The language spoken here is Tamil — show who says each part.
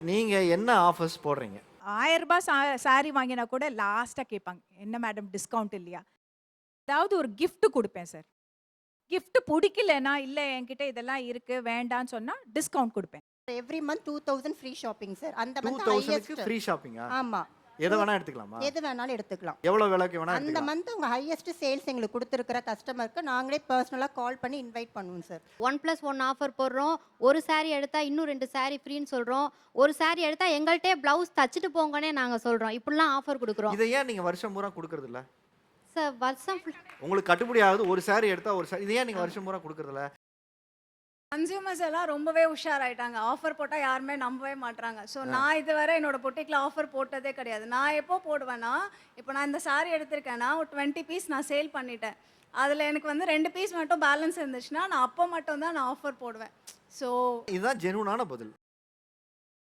Speaker 1: நீங்க என்ன ஆஃபர்ஸ் போடுறீங்க?
Speaker 2: ரூ. 1000 சாரி வாங்கினா கூட லாஸ்ட்டா கேட்பாங்க. என்ன மேடம் டிஸ்கவுண்ட் இல்லையா? ஏதாவது ஒரு கிஃப்ட் குடுப்பேன் சார். கிஃப்ட் புடிக்கலன்னா, இல்ல என்கிட்ட இதெல்லாம் இருக்கு வேண்டான்னு சொன்னா டிஸ்கவுண்ட் குடுப்பேன்.
Speaker 3: Every month 2000 free shopping sir. அந்த மந்த்
Speaker 1: 2000க்கு
Speaker 3: ஹையஸ்ட்.
Speaker 1: ஃப்ரீ ஷாப்பிங்கா?
Speaker 3: ஆமா.
Speaker 1: எத வேணா எடுத்துக்கலாமா?
Speaker 3: எது வேணாலும் எடுத்துக்கலாம்.
Speaker 1: எவ்வளோ விலைக்கு வேணா
Speaker 3: அந்த
Speaker 1: எடுத்துக்கலாம்.
Speaker 3: மந்த் உங்க ஹையஸ்ட் சேல்ஸ் எங்களுக்கு குடுத்திருக்கிற கஸ்டமருக்கு நாங்களே பெர்சனலா கால் பண்ணி இன்வைட் பண்ணுவோம் சார்.
Speaker 4: 1+1 ஆஃபர் போடுறோம். ஒரு சாரி எடுத்தா இன்னும் 2 சாரி ஃப்ரீன்னு சொல்றோம். ஒரு சாரி எடுத்தா எங்கள்ட்டயே ப்ளவுஸ் தச்சுட்டு போங்கன்னே நாங்க சொல்றோம். இப்படிலாம் ஆஃபர் குடுக்குறோம்.
Speaker 1: இத ஏன் நீங்க வருஷம் பூரா குடுக்குறது இல்ல?
Speaker 4: சார் வருஷம்
Speaker 1: உங்களுக்கு கட்டுப்படி ஆகுது. ஒரு சாரி எடுத்தா ஒரு சாரி. இத ஏன் நீங்க வருஷம் பூரா குடுக்குறது இல்ல?
Speaker 5: கன்சியூமர்ஸ் எல்லாம் ரொம்பவே உஷாராயிட்டாங்க. ஆஃபர் போட்டா யாருமே நம்பவே மாட்றாங்க. ஸோ நான் இதுவரை என்னோட பொட்டிக்ல ஆஃபர் போட்டதே கிடையாது. நான் எப்போ போடுவேன்னா, இப்போ நான் இந்த சாரி எடுத்திருக்கேன்னா, ஒரு 20 பீஸ் நான் சேல் பண்ணிட்டேன். அதில எனக்கு வந்து 2 பீஸ் மட்டும் பேலன்ஸ் இருந்துச்சுன்னா, நான் அப்போ மட்டும் தான் நான் ஆஃபர் போடுவேன். ஸோ
Speaker 1: இதுதான் ஜெனூனான பதில்.